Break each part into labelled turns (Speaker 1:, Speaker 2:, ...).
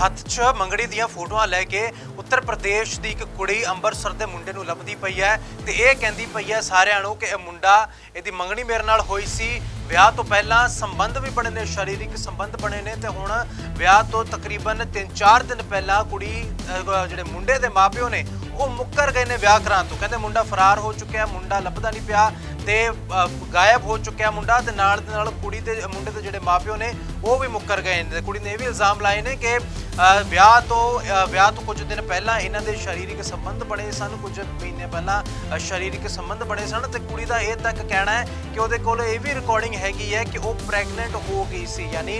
Speaker 1: ਹੱਥ 'ਚ ਮੰਗਣੀ ਦੀਆਂ ਫੋਟੋਆਂ ਲੈ ਕੇ ਉੱਤਰ ਪ੍ਰਦੇਸ਼ ਦੀ ਇੱਕ ਕੁੜੀ ਅੰਮ੍ਰਿਤਸਰ ਦੇ ਮੁੰਡੇ ਨੂੰ ਲੱਭਦੀ ਪਈ ਹੈ ਤੇ ਇਹ ਕਹਿੰਦੀ ਪਈ ਹੈ ਸਾਰਿਆਂ ਨੂੰ ਕਿ ਇਹ ਮੁੰਡਾ ਇਹਦੀ ਮੰਗਣੀ ਮੇਰੇ ਨਾਲ ਹੋਈ ਸੀ। ਵਿਆਹ ਤੋਂ ਪਹਿਲਾਂ ਸੰਬੰਧ ਵੀ ਬਣੇ ਨੇ, ਸਰੀਰਕ ਸੰਬੰਧ ਬਣੇ ਨੇ ਤੇ ਹੁਣ ਵਿਆਹ ਤੋਂ ਤਕਰੀਬਨ 3-4 ਦਿਨ ਪਹਿਲਾਂ ਕੁੜੀ ਜਿਹੜੇ ਮੁੰਡੇ ਦੇ ਮਾਪਿਓ ਨੇ ਉਹ ਮੁੱਕਰ ਗਏ ਨੇ ਵਿਆਹ ਕਰਾਉਣ ਤੋਂ। ਕਹਿੰਦੇ ਮੁੰਡਾ ਫਰਾਰ ਹੋ ਚੁੱਕਿਆ, ਮੁੰਡਾ ਲੱਭਦਾ ਨਹੀਂ ਪਿਆ ਤੇ ਗਾਇਬ ਹੋ ਚੁੱਕਿਆ ਮੁੰਡਾ ਤੇ ਨਾਲ ਦੇ ਨਾਲ ਕੁੜੀ ਦੇ ਮੁੰਡੇ ਦੇ ਜਿਹੜੇ ਮਾਪਿਓ ਨੇ ਉਹ ਵੀ ਮੁੱਕਰ ਗਏ ਨੇ। ਕੁੜੀ ਨੇ ਇਹ ਵੀ ਇਲਜ਼ਾਮ ਲਾਏ ਨੇ ਕਿ ਵਿਆਹ ਤੋਂ ਕੁਝ ਦਿਨ ਪਹਿਲਾਂ ਇਹਨਾਂ ਦੇ ਸਰੀਰਕ ਸੰਬੰਧ ਬਣੇ ਸਨ, ਕੁਝ ਮਹੀਨੇ ਪਹਿਲਾਂ ਸਰੀਰਕ ਸੰਬੰਧ ਬਣੇ ਸਨ ਤੇ ਕੁੜੀ ਦਾ ਇਹ ਤੱਕ ਕਹਿਣਾ ਹੈ ਕਿ ਉਹਦੇ ਕੋਲ ਇਹ ਵੀ ਰਿਕਾਰਡਿੰਗ ਹੈਗੀ ਹੈ ਕਿ ਉਹ ਪ੍ਰੈਗਨੈਂਟ ਹੋ ਗਈ ਸੀ, ਯਾਨੀ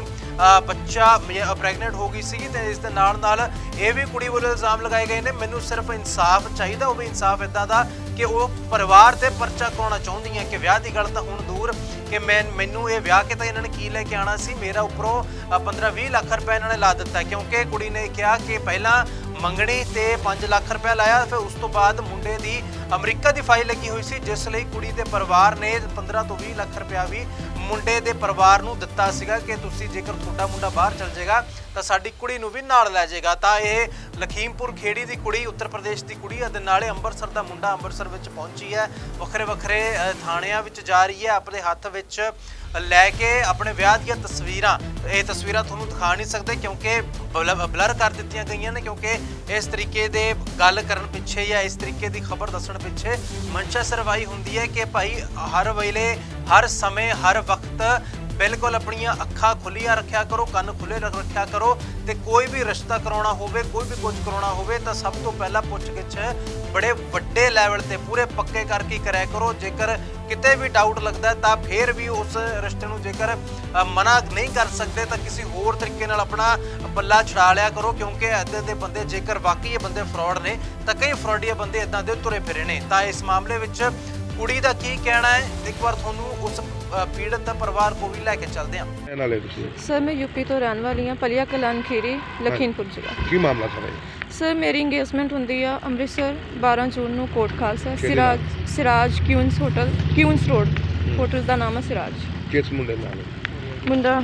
Speaker 1: ਬੱਚਾ ਪ੍ਰੈਗਨੈਂਟ ਹੋ ਗਈ ਸੀ। ਤੇ ਇਸ ਦੇ ਨਾਲ ਇਹ ਵੀ ਕੁੜੀ ਵੱਲੋਂ ਇਲਜ਼ਾਮ ਲਗਾਏ ਗਏ ਨੇ ਮੈਨੂੰ ਸਿਰਫ ਇਨਸਾਫ ਚਾਹੀਦਾ, ਉਹ ਵੀ ਇਨਸਾਫ ਇੱਦਾਂ ਦਾ ਕਿ ਉਹ ਪਰਿਵਾਰ ਤੇ ਪਰਚਾ ਕਰਾਉਣਾ ਚਾਹੁੰਦੀ ਹੈ ਕਿ ਵਿਆਹ ਦੀ ਗੱਲ ਤਾਂ ਹੁਣ ਦੂਰ ਕਿ ਮੈਨੂੰ ਇਹ ਵਿਆਹ ਕੇ ਤਾਂ ਇਹਨਾਂ ਨੇ ਕੀ ਲੈ ਕੇ ਆਉਣਾ ਸੀ, ਮੇਰਾ ਉੱਪਰੋਂ 15-20 ਲੱਖ ਰੁਪਏ ਇਹਨਾਂ ਨੇ ਲਾ ਦਿੱਤਾ ਕਿਉਂਕਿ ਕੁੜੀ ਨੇ ਕਿਹਾ ਕਿ ਪਹਿਲਾਂ ਮੰਗਣੀ ਤੇ 5 ਲੱਖ ਰੁਪਏ ਲਾਇਆ, ਫਿਰ ਉਸ ਤੋਂ ਬਾਅਦ ਮੁੰਡੇ ਦੀ ਅਮਰੀਕਾ ਦੀ ਫਾਈਲ ਲੱਗੀ ਹੋਈ ਸੀ ਜਿਸ ਲਈ ਕੁੜੀ ਦੇ ਪਰਿਵਾਰ ਨੇ 15 ਤੋਂ 20 ਲੱਖ ਰੁਪਇਆ ਵੀ ਮੁੰਡੇ ਦੇ ਪਰਿਵਾਰ ਨੂੰ ਦਿੱਤਾ ਸੀਗਾ ਕਿ ਤੁਸੀਂ ਜੇਕਰ ਤੁਹਾਡਾ ਮੁੰਡਾ ਬਾਹਰ ਚਲ ਜਾਏਗਾ ਤਾਂ ਸਾਡੀ ਕੁੜੀ ਨੂੰ ਵੀ ਨਾਲ ਲੈ ਜਾਏਗਾ। ਤਾਂ ਇਹ ਲਖੀਮਪੁਰ ਖੇੜੀ ਦੀ ਕੁੜੀ, ਉੱਤਰ ਪ੍ਰਦੇਸ਼ ਦੀ ਕੁੜੀ ਅਤੇ ਨਾਲੇ ਅੰਮ੍ਰਿਤਸਰ ਦਾ ਮੁੰਡਾ ਅੰਮ੍ਰਿਤਸਰ ਵਿੱਚ ਪਹੁੰਚੀ ਹੈ, ਵੱਖਰੇ ਥਾਣਿਆਂ ਵਿੱਚ ਜਾ ਰਹੀ ਹੈ, ਆਪਣੇ ਹੱਥ ਵਿੱਚ ਲੈ ਕੇ ਆਪਣੇ ਵਿਆਹ ਦੀਆਂ ਤਸਵੀਰਾਂ। ਇਹ ਤਸਵੀਰਾਂ ਤੁਹਾਨੂੰ ਦਿਖਾ ਨਹੀਂ ਸਕਦੇ ਕਿਉਂਕਿ ਬਲਰ ਕਰ ਦਿੱਤੀਆਂ ਗਈਆਂ ਨੇ ਕਿਉਂਕਿ ਇਸ ਤਰੀਕੇ ਦੇ ਗੱਲ ਕਰਨ ਪਿੱਛੇ ਜਾਂ ਇਸ ਤਰੀਕੇ ਦੀ ਖਬਰ ਦੱਸਣ ਪਿੱਛੇ ਮਨਸ਼ਾ ਸਰਵਾਈ ਹੁੰਦੀ ਹੈ ਕਿ ਭਾਈ ਹਰ ਵੇਲੇ ਹਰ ਸਮੇਂ ਹਰ ਵਕਤ ਬਿਲਕੁਲ ਆਪਣੀਆਂ ਅੱਖਾਂ ਖੁੱਲੀਆਂ ਰੱਖਿਆ ਕਰੋ, ਕੰਨ ਖੁੱਲੇ ਰੱਖਿਆ ਕਰੋ ਤੇ ਕੋਈ ਵੀ ਰਿਸ਼ਤਾ ਕਰਾਉਣਾ ਹੋਵੇ, ਕੋਈ ਵੀ ਕੁਝ ਕਰਾਉਣਾ ਹੋਵੇ ਤਾਂ ਸਭ ਤੋਂ ਪਹਿਲਾਂ ਪੁੱਛ-ਗਿੱਛ ਬੜੇ ਵੱਡੇ ਲੈਵਲ ਤੇ ਪੂਰੇ ਪੱਕੇ ਕਰਕੇ ਕਰਿਆ ਕਰੋ। ਜੇਕਰ ਕਿਤੇ ਵੀ ਡਾਊਟ ਲੱਗਦਾ ਤਾਂ ਫਿਰ ਵੀ ਉਸ ਰਿਸ਼ਤੇ ਨੂੰ ਜੇਕਰ ਮਨਾ ਨਹੀਂ ਕਰ ਸਕਦੇ ਤਾਂ ਕਿਸੇ ਹੋਰ ਤਰੀਕੇ ਨਾਲ ਆਪਣਾ ਪੱਲਾ ਛਡਾ ਲਿਆ ਕਰੋ ਕਿਉਂਕਿ ਇੱਦਾਂ ਦੇ ਬੰਦੇ ਜੇਕਰ ਵਾਕਈ ਇਹ ਬੰਦੇ ਫਰਾਡ ਨੇ ਤਾਂ ਕਈ ਫਰਾਡੀਆ ਬੰਦੇ ਇੱਦਾਂ ਦੇ ਤੁਰੇ ਫਿਰੇ ਨੇ। ਤਾਂ ਇਸ ਮਾਮਲੇ ਵਿੱਚ ਕੁੜੀ ਦਾ ਕੀ ਕਹਿਣਾ ਹੈ ਇੱਕ ਵਾਰ ਤੁਹਾਨੂੰ ਉਸ ਪੀੜਤ ਦਾ ਪਰਿਵਾਰ ਕੋ ਵੀ ਲੈ ਕੇ ਚੱਲਦੇ ਹਾਂ।
Speaker 2: सर मैं यूपी तो रहने वाली हाँ, पलिया कलान खीरी लखीमपुर जिला।
Speaker 3: ਕੀ ਮਾਮਲਾ ਸਾਰਾ
Speaker 2: सर मेरी इंगेजमेंट ਹੁੰਦੀ ਆ ਅੰਮ੍ਰਿਤਸਰ 12 ਜੂਨ ਨੂੰ Kot Khalsa Siraj Queens hotel, Queens road hotel ਦਾ ਨਾਮ ਹੈ ਸਿਰਾਜ।
Speaker 3: ਕਿਸ ਮੁੰਡੇ ਨਾਲ
Speaker 2: ਮੁੰਡਾ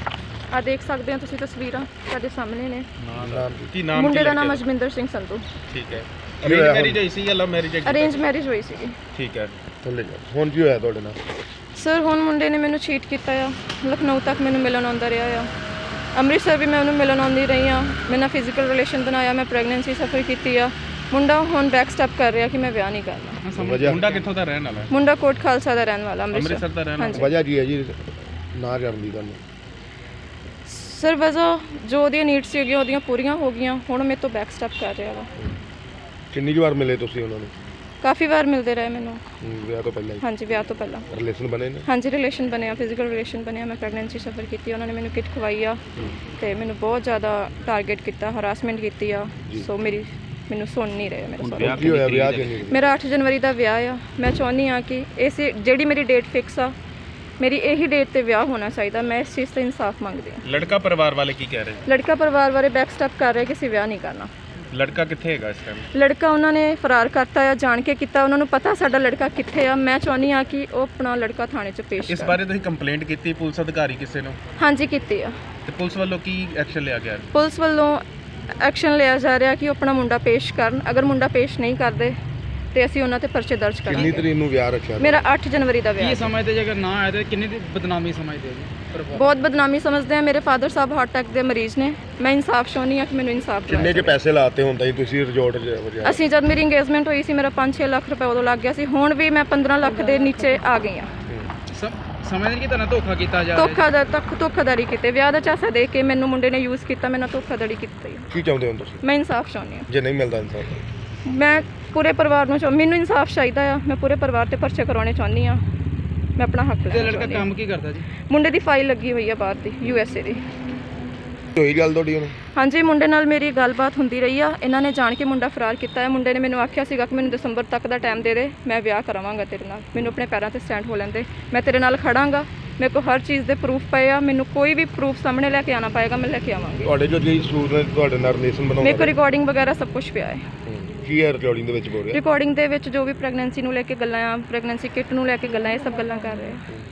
Speaker 2: ਆ ਦੇਖ ਸਕਦੇ ਹੋ ਤੁਸੀਂ ਤਸਵੀਰਾਂ ਸਾਡੇ ਸਾਹਮਣੇ ਨੇ।
Speaker 3: ਕੀ ਨਾਮ
Speaker 2: ਮੁੰਡੇ ਦਾ ਨਾਮ ਅਜਮਿੰਦਰ ਸਿੰਘ ਸੰਧੂ।
Speaker 3: ਠੀਕ ਹੈ। ਅਰੇਂਜ ਮੈਰਿਜ ਹੋਈ ਸੀ ਜਾਂ ਲਵ ਮੈਰਿਜ?
Speaker 2: ਅਰੇਂਜ ਮੈਰਿਜ ਹੋਈ ਸੀ।
Speaker 3: ਠੀਕ ਹੈ। ਥੱਲੇ ਜਾ। ਹੁਣ ਕੀ ਹੋਇਆ ਤੁਹਾਡੇ ਨਾਲ?
Speaker 2: ਸਰ ਹੁਣ ਮੁੰਡੇ ਨੇ ਮੈਨੂੰ ਚੀਟ ਕੀਤਾ ਆ, ਲਖਨਊ ਤੱਕ ਮੈਨੂੰ ਮਿਲਣ ਆਉਂਦਾ ਰਿਹਾ ਆ, ਅੰਮ੍ਰਿਤਸਰ ਵੀ ਮੈਂ ਉਹਨੂੰ ਮਿਲਣ ਆਉਂਦੀ ਰਹੀ ਹਾਂ, ਮੇਰੇ ਨਾਲ ਫਿਜ਼ੀਕਲ ਰਿਲੇਸ਼ਨ ਬਣਾਇਆ, ਮੈਂ ਪ੍ਰੈਗਨੈਂਸੀ ਸਫਰ ਕੀਤੀ ਆ। ਮੁੰਡਾ ਹੁਣ ਬੈਕ ਸਟੈਪ ਕਰ ਰਿਹਾ ਕਿ ਮੈਂ ਵਿਆਹ ਨਹੀਂ ਕਰਨਾ।
Speaker 3: ਮੁੰਡਾ ਕਿੱਥੋਂ ਦਾ ਰਹਿਣ ਵਾਲਾ ਹੈ?
Speaker 2: ਮੁੰਡਾ ਕੋਟ ਖਾਲਸਾ ਦਾ ਰਹਿਣ ਵਾਲਾ,
Speaker 3: ਅੰਮ੍ਰਿਤਸਰ ਦਾ ਰਹਿਣ ਵਾਲਾ। ਵਜ੍ਹਾ ਕੀ ਹੈ ਜੀ ਨਾ ਕਰਨ ਦੀ ਗੱਲ?
Speaker 2: ਸਰ ਵਜ੍ਹਾ ਜੋ ਉਹਦੀਆਂ ਨੀਡਸ ਸੀਗੀਆਂ ਉਹਦੀਆਂ ਪੂਰੀਆਂ ਹੋ ਗਈਆਂ, ਹੁਣ ਮੇਰੇ ਤੋਂ ਬੈਕ ਸਟੈਪ ਕਰ ਰਿਹਾ ਵਾ।
Speaker 3: ਕਿੰਨੀ ਵਾਰ ਮਿਲੇ ਤੁਸੀਂ ਉਹਨਾਂ ਨੂੰ?
Speaker 2: ਕਾਫੀ ਵਾਰ ਮਿਲਦੇ ਰਹੇ ਮੈਨੂੰ।
Speaker 3: ਵਿਆਹ ਤੋਂ ਪਹਿਲਾਂ?
Speaker 2: ਹਾਂਜੀ ਵਿਆਹ ਤੋਂ ਪਹਿਲਾਂ।
Speaker 3: ਰਿਲੇਸ਼ਨ ਬਣੇ ਨੇ? ਹਾਂਜੀ
Speaker 2: ਰਿਲੇਸ਼ਨ ਬਣਿਆ, ਫਿਜ਼ੀਕਲ ਰਿਲੇਸ਼ਨ ਬਣਿਆ, ਮੈਂ ਪ੍ਰੈਗਨੈਂਸੀ ਸਫਰ ਕੀਤੀ, ਉਹਨਾਂ ਨੇ ਮੈਨੂੰ ਕਿਟ ਖਵਾਈ ਆ ਤੇ ਮੈਨੂੰ ਬਹੁਤ ਜ਼ਿਆਦਾ ਟਾਰਗੇਟ ਕੀਤਾ, ਹਰਾਸਮੈਂਟ ਕੀਤੀ ਆ। ਸੋ ਮੈਨੂੰ ਸੁਣ ਨਹੀਂ ਰਹੇ ਮੇਰੇ ਸਾਰੇ।
Speaker 3: ਕੀ ਹੋਇਆ ਵਿਆਹ ਕਿੰਨੀ?
Speaker 2: ਮੇਰਾ 8 ਜਨਵਰੀ ਦਾ ਵਿਆਹ ਆ। ਮੈਂ ਚਾਹੁੰਦੀ ਹਾਂ ਕਿ ਇਸ ਜਿਹੜੀ ਮੇਰੀ ਡੇਟ ਫਿਕਸ ਆ, ਮੇਰੀ ਇਹੀ ਡੇਟ ਤੇ ਵਿਆਹ ਹੋਣਾ ਚਾਹੀਦਾ। ਮੈਂ ਇਸ ਚੀਜ਼ ਤੇ ਇਨਸਾਫ ਮੰਗਦੀ ਹਾਂ।
Speaker 3: ਲੜਕਾ ਪਰਿਵਾਰ ਵਾਲੇ ਕੀ ਕਹਿ ਰਹੇ?
Speaker 2: ਲੜਕਾ ਪਰਿਵਾਰ ਵਾਲੇ ਬੈਕ ਸਟੈਪ ਕਰ ਰਹੇ ਕਿ ਅਸੀਂ ਵਿਆਹ ਨਹੀਂ ਕਰਨਾ।
Speaker 3: ਲੜਕਾ ਕਿੱਥੇ ਹੈਗਾ ਇਸ ਟਾਈਮ?
Speaker 2: ਲੜਕਾ ਉਹਨਾਂ ਨੇ ਫਰਾਰ ਕਰਤਾ ਆ, ਜਾਣ ਕੇ ਕੀਤਾ, ਉਹਨਾਂ ਨੂੰ ਪਤਾ ਸਾਡਾ ਲੜਕਾ ਕਿੱਥੇ ਆ। ਮੈਂ ਚਾਹੁੰਦੀ ਹਾਂ ਕਿ ਉਹ ਆਪਣਾ ਲੜਕਾ ਥਾਣੇ 'ਚ ਪੇਸ਼
Speaker 3: ਇਸ ਬਾਰੇ ਤੁਸੀਂ ਕੰਪਲੇਂਟ ਕੀਤੀ ਪੁਲਿਸ ਅਧਿਕਾਰੀ ਕਿਸੇ ਨੂੰ?
Speaker 2: ਹਾਂਜੀ ਕੀਤੀ ਆ।
Speaker 3: ਤੇ ਪੁਲਿਸ ਵੱਲੋਂ ਕੀ ਐਕਸ਼ਨ ਲਿਆ ਗਿਆ?
Speaker 2: ਪੁਲਿਸ ਵੱਲੋਂ ਐਕਸ਼ਨ ਲਿਆ ਜਾ ਰਿਹਾ ਕਿ ਉਹ ਆਪਣਾ ਮੁੰਡਾ ਪੇਸ਼ ਕਰਨ। ਅਗਰ ਮੁੰਡਾ ਪੇਸ਼ ਨਹੀਂ ਕਰਦੇ ਤੇ ਅਸੀਂ ਉਹਨਾਂ ਤੇ ਪਰਚੇ ਦਰਜ ਕਰਾਂਗੇ।
Speaker 3: ਕਿੰਨੀ ਤਰੀਕ ਨੂੰ ਵਿਆਹ ਰੱਖਿਆ?
Speaker 2: ਮੇਰਾ 8 ਜਨਵਰੀ ਦਾ ਵਿਆਹ।
Speaker 4: ਕੀ ਸਮਝਦੇ ਜੇ ਅਗਰ ਨਾ ਆਏ ਤਾਂ ਕਿੰਨੀ ਬਦਨਾਮੀ ਸਮਝਦੇ ਹੋ ਜੀ?
Speaker 2: ਬਹੁਤ ਬਦਨਾਮੀ ਸਮਝਦੇ ਆ। ਮੇਰੇ ਫਾਦਰ ਸਾਹਿਬ ਹਾਰਟ ਅਟੈਕ ਦੇ ਮਰੀਜ਼ ਨੇ। ਮੈਂ ਇਨਸਾਫ ਚਾਹੁੰਦੀ ਹਾਂ ਕਿ ਮੈਨੂੰ ਇਨਸਾਫ ਦਿਵਾਇਆ।
Speaker 3: ਕਿੰਨੇ ਕੇ ਪੈਸੇ ਲਾਤੇ ਹੁੰਦਾ ਜੀ ਤੁਸੀਂ ਰਿਜ਼ੋਰਟ 'ਚ?
Speaker 2: ਅਸੀਂ ਜਦ ਮੇਰੀ ਇੰਗੇਜਮੈਂਟ ਹੋਈ ਸੀ ਮੇਰਾ 5-6 ਲੱਖ ਰੁਪਏ ਉਦੋਂ ਲੱਗ ਗਿਆ ਸੀ। ਹੁਣ ਵੀ ਮੈਂ 15 ਲੱਖ ਦੇ ਨੀਚੇ ਆ ਗਈ ਹਾਂ।
Speaker 4: ਸਮਝਦੇ ਕਿ ਤੁਹਾਨੂੰ ਧੋਖਾ ਕੀਤਾ ਜਾ ਰਿਹਾ?
Speaker 2: ਧੋਖਾਧੜੀ ਕੀਤੇ, ਵਿਆਹ ਦਾ ਚਾਸਾ ਦੇ ਕੇ ਮੈਨੂੰ ਮੁੰਡੇ ਨੇ ਯੂਜ਼ ਕੀਤਾ, ਮੇਰੇ ਨਾਲ ਧੋਖਾਧੜੀ ਕੀਤੀ।
Speaker 3: ਕੀ ਚਾਹੁੰਦੇ ਹੋ ਤੁਸੀਂ?
Speaker 2: ਮੈਂ ਇਨਸਾਫ ਚਾਹੁੰਦੀ ਹਾਂ।
Speaker 3: ਜੇ ਨਹੀਂ ਮਿਲਦਾ ਇਨਸਾਫ?
Speaker 2: ਮੈਂ ਪੂਰੇ ਪਰਿਵਾਰ ਨੂੰ ਮੈਨੂੰ ਇਨਸਾਫ ਚਾਹੀਦਾ ਆ। ਮੈਂ ਪੂਰੇ ਪਰਿਵਾਰ ਤੇ ਪਰਚੇ ਕਰਾਉਣੇ ਚਾਹੁੰਦੀ ਹਾਂ। ਮੈਂ ਆਪਣਾ ਹੱਕ ਲੈਣਾ ਚਾਹੁੰਦੀ ਹਾਂ।
Speaker 4: ਲੜਕਾ ਕੰਮ ਕੀ ਕਰਦਾ ਜੀ?
Speaker 2: ਮੁੰਡੇ ਦੀ ਫਾਈਲ ਲੱਗੀ ਹੋਈ ਆ ਬਾਹਰ ਦੀ, USA ਦੀ।
Speaker 3: ਹੋਈ ਗੱਲ ਤੁਹਾਡੀ ਉਹਨੂੰ?
Speaker 2: ਹਾਂਜੀ ਮੁੰਡੇ ਨਾਲ ਮੇਰੀ ਗੱਲਬਾਤ ਹੁੰਦੀ ਰਹੀ ਆ। ਇਹਨਾਂ ਨੇ ਜਾਣ ਕੇ ਮੁੰਡਾ ਫਰਾਰ ਕੀਤਾ ਹੈ। ਮੁੰਡੇ ਨੇ ਮੈਨੂੰ ਆਖਿਆ ਸੀਗਾ ਕਿ ਮੈਨੂੰ ਦਸੰਬਰ ਤੱਕ ਦਾ ਟਾਈਮ ਦੇ ਦੇ, ਮੈਂ ਵਿਆਹ ਕਰਾਵਾਂਗਾ ਤੇਰੇ ਨਾਲ, ਮੈਨੂੰ ਆਪਣੇ ਪੈਰਾਂ ਤੇ ਸਟੈਂਡ ਹੋ ਲੈਂਦੇ, ਮੈਂ ਤੇਰੇ ਨਾਲ ਖੜਾਂਗਾ, ਮੇਰੇ ਕੋਲ ਹਰ ਚੀਜ਼ ਦੇ ਪ੍ਰੂਫ ਪਏ ਆ, ਮੈਨੂੰ ਕੋਈ ਵੀ ਪ੍ਰੂਫ ਸਾਹਮਣੇ ਲੈ ਕੇ ਆਉਣਾ ਪਏਗਾ, ਮੈਂ ਲੈ ਕੇ ਆਵਾਂਗੀ।
Speaker 3: ਤੁਹਾਡੇ ਜੋ ਜੀ ਸੂਟ ਨੇ ਤੁਹਾਡੇ ਨਾਲ ਰਿਲੇਸ਼ਨ ਬਣਾਉਂਦੇ?
Speaker 2: ਮੇਰੇ ਕੋਲ ਰਿਕਾਰਡਿੰਗ ਵਗੈਰਾ ਸਭ ਕੁਝ ਪਿਆ ਹੈ।
Speaker 3: ਕੀ ਹੈ ਰਿਕਾਰਡਿੰਗ ਦੇ ਵਿੱਚ ਬੋਲ ਰਿਹਾ?
Speaker 2: ਰਿਕਾਰਡਿੰਗ ਦੇ ਵਿੱਚ ਜੋ ਵੀ ਪ੍ਰੈਗਨੈਂਸੀ ਨੂੰ ਲੈ ਕੇ ਗੱਲਾਂ ਆ, ਪ੍ਰੈਗਨੈਂਸੀ ਕਿਟ ਨੂੰ ਲੈ ਕੇ ਗੱਲਾਂ, ਇਹ ਸਭ ਗੱਲਾਂ ਕਰ ਰਹੇ ਆ।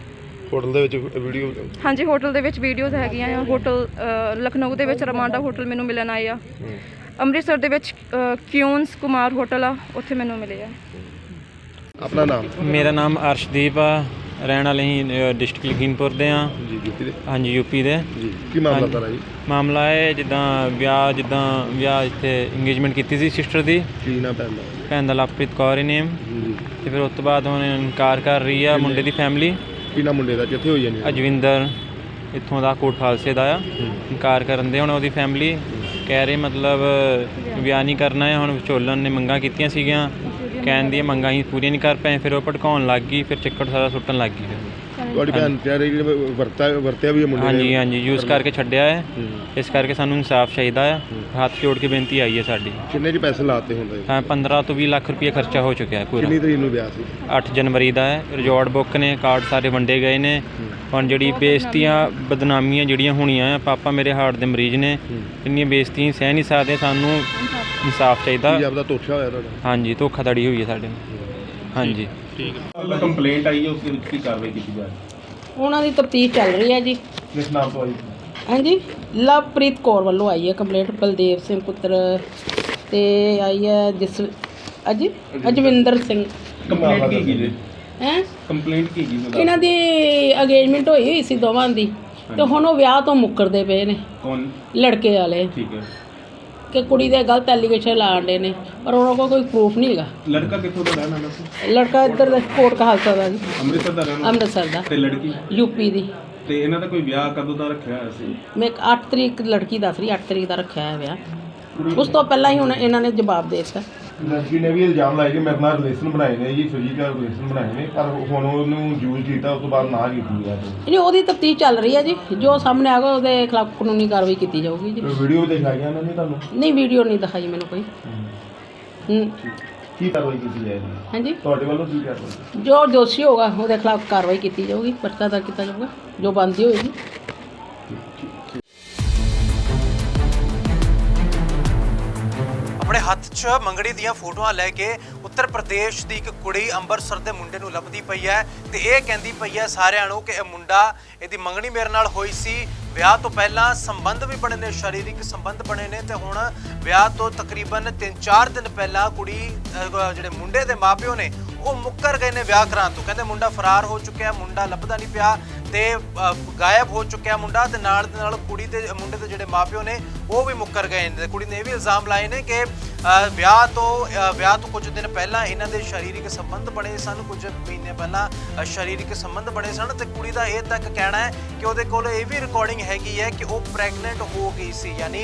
Speaker 3: ਹੋਟਲ ਦੇ ਵਿੱਚ ਵੀਡੀਓ
Speaker 2: ਹਾਂਜੀ ਹੋਟਲ ਦੇ ਵਿੱਚ ਵੀਡੀਓਜ਼ ਹੈਗੀਆਂ ਆ। ਹੋਟਲ ਲਖਨਊ ਦੇ ਵਿੱਚ ਰਮਾਂਡਾ ਹੋਟਲ ਮੈਨੂੰ ਮਿਲਣ ਆਏ ਆ। ਅੰਮ੍ਰਿਤਸਰ ਦੇ ਵਿੱਚ ਕਿਊਨਸ ਕੁਮਾਰ ਹੋਟਲ ਆ, ਉੱਥੇ ਮੈਨੂੰ ਮਿਲੇ ਆ।
Speaker 3: ਆਪਣਾ ਨਾਮ?
Speaker 5: ਮੇਰਾ ਨਾਮ ਅਰਸ਼ਦੀਪ ਆ, ਰਹਿਣ ਵਾਲੇ ਹੀ ਡਿਸਟ੍ਰਿਕਟ ਲਖੀਮਪੁਰ ਦੇ ਆ।
Speaker 3: ਜੀ ਯੂਪੀ ਦੇ?
Speaker 5: ਹਾਂਜੀ ਯੂਪੀ ਦੇ
Speaker 3: ਜੀ। ਕੀ ਮਾਮਲਾ ਸਾਰਾ ਜੀ?
Speaker 5: ਮਾਮਲਾ ਹੈ ਜਿੱਦਾਂ ਵਿਆਹ ਇੱਥੇ ਇੰਗੇਜਮੈਂਟ ਕੀਤੀ ਸੀ ਸਿਸਟਰ ਦੀ।
Speaker 3: ਕੀ ਨਾਮ ਪੈਂਦਾ?
Speaker 5: ਭੈਣ ਦਾ ਲਵਪ੍ਰੀਤ ਕੌਰ ਹੀ ਨੇਮ।
Speaker 3: ਜੀ।
Speaker 5: ਤੇ ਫਿਰ ਉਸ ਤੋਂ ਬਾਅਦ ਹੁਣ ਇਨਕਾਰ ਕਰ ਰਹੀ ਆ ਮੁੰਡੇ ਦੀ ਫੈਮਿਲੀ।
Speaker 3: ਕੀ ਨਾਮ ਮੁੰਡੇ ਦਾ? ਕਿੱਥੇ ਹੋਈ ਜਾਨੀ?
Speaker 5: ਅਜਵਿੰਦਰ ਇੱਥੋਂ ਦਾ ਕੋਟ ਖਾਲਸੇ ਦਾ ਆ। ਇਨਕਾਰ ਕਰਨ ਦੇ ਹੁਣ ਉਹਦੀ ਫੈਮਿਲੀ ਕਹਿ ਰਹੇ ਮਤਲਬ ਵਿਆਹ ਨਹੀਂ ਕਰਨਾ ਹੈ। ਹੁਣ ਵਿਚੋਲਨ ਨੇ ਮੰਗਾਂ ਕੀਤੀਆਂ ਸੀਗੀਆਂ, ਕਹਿਣ ਦੀਆਂ ਮੰਗਾਂ ਹੀ ਪੂਰੀਆਂ ਨਹੀਂ ਕਰ ਪਏ। ਫਿਰ ਉਹ ਭੜਕਾਉਣ ਲੱਗ ਗਈ, ਫਿਰ ਚੱਕਰ ਸਾਰਾ ਸੁੱਟਣ ਲੱਗ ਗਈ।
Speaker 3: ਤੁਹਾਡੀ ਭੈਣ ਕਹਿ ਰਹੀ ਕਿ ਵਰਤਿਆ ਵੀ ਹੈ ਮੁੰਡੇ ਨੇ?
Speaker 5: ਹਾਂਜੀ ਯੂਜ਼ ਕਰਕੇ ਛੱਡਿਆ ਹੈ। ਇਸ ਕਰਕੇ ਸਾਨੂੰ ਇਨਸਾਫ ਚਾਹੀਦਾ ਆ। ਹੱਥ ਜੋੜ ਕੇ ਬੇਨਤੀ ਆਈ ਹੈ ਸਾਡੀ।
Speaker 3: ਕਿੰਨੇ ਜੀ ਪੈਸੇ ਲਾਤੇ ਹੁੰਦੇ?
Speaker 5: ਹਾਂ 15 ਤੋਂ 20 ਲੱਖ ਰੁਪਏ ਖਰਚਾ ਹੋ ਚੁੱਕਿਆ ਹੈ ਪੂਰਾ।
Speaker 3: ਕਿੰਨੀ ਤਰੀਕ ਨੂੰ ਵਿਆਹ ਸੀ?
Speaker 5: 8 ਜਨਵਰੀ ਦਾ ਹੈ। ਰਿਜ਼ੋਰਟ ਬੁੱਕ ਨੇ, ਕਾਰਡ ਸਾਰੇ ਵੰਡੇ ਗਏ ਨੇ। ਹੁਣ ਜਿਹੜੀ ਬੇਇੱਜ਼ਤੀਆਂ ਬਦਨਾਮੀਆਂ ਜਿਹੜੀਆਂ ਹੋਣੀਆਂ ਆ, ਪਾਪਾ ਮੇਰੇ ਹਾਰਟ ਦੇ ਮਰੀਜ਼ ਨੇ, ਇੰਨੀਆਂ ਬੇਇੱਜ਼ਤੀਆਂ ਸਹਿ ਨਹੀਂ ਸਕਦੇ। ਸਾਨੂੰ ਇਨਸਾਫ ਚਾਹੀਦਾ।
Speaker 3: ਕੀ ਆਪਦਾ ਧੋਖਾ ਹੋਇਆ ਤੁਹਾਡਾ?
Speaker 5: ਹਾਂਜੀ ਧੋਖਾਧੜੀ ਹੋਈ ਹੈ ਸਾਡੇ ਨਾਲ। ਹਾਂਜੀ
Speaker 6: ਠੀਕ ਹੈ। ਕੰਪਲੇਂਟ ਆਈ ਹੈ, ਉਸ ਦੇ ਵਿੱਚ ਕੀ ਕਾਰਵਾਈ ਕੀਤੀ ਜਾ ਰਹੀ ਹੈ?
Speaker 7: ਉਹਨਾਂ ਦੀ ਤਫਤੀਸ਼ ਚੱਲ ਰਹੀ ਹੈ ਜੀ।
Speaker 6: ਕਿਸ ਨਾਮ ਤੋਂ ਆਈ?
Speaker 7: ਹਾਂਜੀ ਲਵਪ੍ਰੀਤ ਕੌਰ ਵੱਲੋਂ ਆਈ ਹੈ ਕੰਪਲੇਂਟ। ਬਲਦੇਵ ਸਿੰਘ ਪੁੱਤਰ ਤੇ ਆਈ ਹੈ ਅਜਵਿੰਦਰ ਸਿੰਘ।
Speaker 6: ਕੰਪਲੇਂਟ ਕੀ ਜੀ?
Speaker 7: ਹੈ
Speaker 6: ਕੰਪਲੇਂਟ ਕੀ ਜੀ?
Speaker 7: ਇਹਨਾਂ ਦੀ ਅਗੇਜਮੈਂਟ ਹੋਈ ਸੀ ਦੋਵਾਂ ਦੀ, ਤੇ ਹੁਣ ਉਹ ਵਿਆਹ ਤੋਂ ਮੁੱਕਰਦੇ ਪਏ ਨੇ
Speaker 6: ਕੌਣ?
Speaker 7: ਲੜਕੇ ਵਾਲੇ,
Speaker 6: ਠੀਕ ਹੈ।
Speaker 7: ਕਿ ਕੁੜੀ ਦੇ ਗਲਤ ਐਲੀਗੇਸ਼ਨ ਲਾਉਂਦੇ ਨੇ, ਪਰ ਉਹਨਾਂ ਕੋਲ ਕੋਈ ਪ੍ਰੂਫ ਨਹੀਂ ਹੈਗਾ।
Speaker 6: ਲੜਕਾ ਕਿੱਥੋਂ ਦਾ ਰਹਿਣ ਵਾਲਾ ਸੀ?
Speaker 7: ਲੜਕਾ ਇੱਧਰ ਦਾ ਕੋਟ ਕਹਾਲਸਾ ਦਾ ਜੀ,
Speaker 6: ਅੰਮ੍ਰਿਤਸਰ ਦਾ ਰਹਿਣ ਵਾਲਾ?
Speaker 7: ਅੰਮ੍ਰਿਤਸਰ ਦਾ।
Speaker 6: ਤੇ ਲੜਕੀ?
Speaker 7: ਯੂਪੀ ਦੀ।
Speaker 6: ਤੇ ਇਹਨਾਂ ਦਾ ਕੋਈ ਵਿਆਹ ਕਦੋਂ ਦਾ ਰੱਖਿਆ ਹੋਇਆ ਸੀ?
Speaker 7: ਮੈਂ 8 ਤਰੀਕ ਲੜਕੀ ਦੱਸ ਰਹੀ, 8 ਤਰੀਕ ਦਾ ਰੱਖਿਆ ਹੈ ਵਿਆਹ। ਉਸ ਤੋਂ ਪਹਿਲਾਂ ਹੀ ਹੁਣ ਇਹਨਾਂ ਨੇ ਜਵਾਬ ਦੇ ਦਿੱਤਾ।
Speaker 3: ਲੜਕੀ ਨੇ ਵੀ ਇਲਜ਼ਾਮ ਲਾਇਆ ਕਿ ਮੇਰੇ ਨਾਲ ਰਿਲੇਸ਼ਨ ਬਣਾਏ ਨੇ ਜੀ, ਫਿਜ਼ੀਕਲ ਰਿਲੇਸ਼ਨ ਬਣਾਏ ਨੇ, ਪਰ ਹੁਣ ਉਹਨੂੰ ਯੂਜ਼ ਕੀਤਾ, ਉਸ ਤੋਂ ਬਾਅਦ ਨਾ ਕੀਤੀ ਹੈ।
Speaker 7: ਨਹੀਂ ਉਹਦੀ ਤਫਤੀਸ਼ ਚੱਲ ਰਹੀ ਹੈ ਜੀ, ਜੋ ਸਾਹਮਣੇ ਆਗਾ ਉਹਦੇ ਖਿਲਾਫ ਕਾਨੂੰਨੀ ਕਾਰਵਾਈ ਕੀਤੀ ਜਾਊਗੀ ਜੀ।
Speaker 3: ਵੀਡੀਓ ਵੀ ਦਿਖਾਈਆਂ ਉਹਨਾਂ ਨੇ ਤੁਹਾਨੂੰ?
Speaker 7: ਨਹੀਂ ਵੀਡੀਓ ਨਹੀਂ ਦਿਖਾਈ ਮੈਨੂੰ ਕੋਈ।
Speaker 3: ਕੀ ਕਾਰਵਾਈ ਕੀਤੀ ਜਾਏਗੀ
Speaker 7: ਹਾਂਜੀ
Speaker 3: ਤੁਹਾਡੇ ਵੱਲੋਂ? ਕੀ ਕਾਰਵਾਈ?
Speaker 7: ਜੋ ਦੋਸ਼ੀ ਹੋਗਾ ਉਹਦੇ ਖਿਲਾਫ ਕਾਰਵਾਈ ਕੀਤੀ ਜਾਊਗੀ, ਪਰਚਾ ਦਰਜ ਕੀਤਾ ਜਾਊਗਾ ਜੋ ਬਣਦੀ ਹੋਏਗੀ।
Speaker 1: ਆਪਣੇ ਹੱਥ 'ਚ ਮੰਗਣੀ ਦੀਆਂ ਫੋਟੋਆਂ ਲੈ ਕੇ ਉੱਤਰ ਪ੍ਰਦੇਸ਼ ਦੀ ਇੱਕ ਕੁੜੀ ਅੰਮ੍ਰਿਤਸਰ ਦੇ ਮੁੰਡੇ ਨੂੰ ਲੱਭਦੀ ਪਈ ਹੈ ਤੇ ਇਹ ਕਹਿੰਦੀ ਪਈ ਹੈ ਸਾਰਿਆਂ ਨੂੰ ਕਿ ਇਹ ਮੁੰਡਾ, ਇਹਦੀ ਮੰਗਣੀ ਮੇਰੇ ਨਾਲ ਹੋਈ ਸੀ। ਵਿਆਹ ਤੋਂ ਪਹਿਲਾਂ ਸੰਬੰਧ ਵੀ ਬਣੇ ਨੇ, ਸਰੀਰਕ ਸੰਬੰਧ ਬਣੇ ਨੇ ਤੇ ਹੁਣ ਵਿਆਹ ਤੋਂ ਤਕਰੀਬਨ 3-4 ਦਿਨ ਪਹਿਲਾਂ ਕੁੜੀ ਜਿਹੜੇ ਮੁੰਡੇ ਦੇ ਮਾਪਿਓ ਨੇ ਉਹ ਮੁੱਕਰ ਗਏ ਨੇ ਵਿਆਹ ਕਰਾਉਣ ਤੋਂ। ਕਹਿੰਦੇ ਮੁੰਡਾ ਫਰਾਰ ਹੋ ਚੁੱਕਿਆ, ਮੁੰਡਾ ਲੱਭਦਾ ਨਹੀਂ ਪਿਆ ਤੇ ਗਾਇਬ ਹੋ ਚੁੱਕਿਆ ਮੁੰਡਾ। ਤੇ ਨਾਲ ਦੇ ਨਾਲ ਕੁੜੀ ਦੇ ਮੁੰਡੇ ਦੇ ਜਿਹੜੇ ਮਾਪਿਓ ਨੇ ਉਹ ਵੀ ਮੁੱਕਰ ਗਏ ਨੇ। ਕੁੜੀ ਨੇ ਇਹ ਵੀ ਇਲਜ਼ਾਮ ਲਾਏ ਨੇ ਕਿ ਵਿਆਹ ਤੋਂ ਕੁਝ ਦਿਨ ਪਹਿਲਾਂ ਇਹਨਾਂ ਦੇ ਸਰੀਰਕ ਸੰਬੰਧ ਬਣੇ ਸਨ, ਕੁਝ ਮਹੀਨੇ ਪਹਿਲਾਂ ਸਰੀਰਕ ਸੰਬੰਧ ਬਣੇ ਸਨ। ਤੇ ਕੁੜੀ ਦਾ ਇਹ ਤੱਕ ਕਹਿਣਾ ਹੈ ਕਿ ਉਹਦੇ ਕੋਲ ਇਹ ਵੀ ਰਿਕਾਰਡਿੰਗ ਹੈਗੀ ਹੈ ਕਿ ਉਹ ਪ੍ਰੈਗਨੈਂਟ ਹੋ ਗਈ ਸੀ, ਯਾਨੀ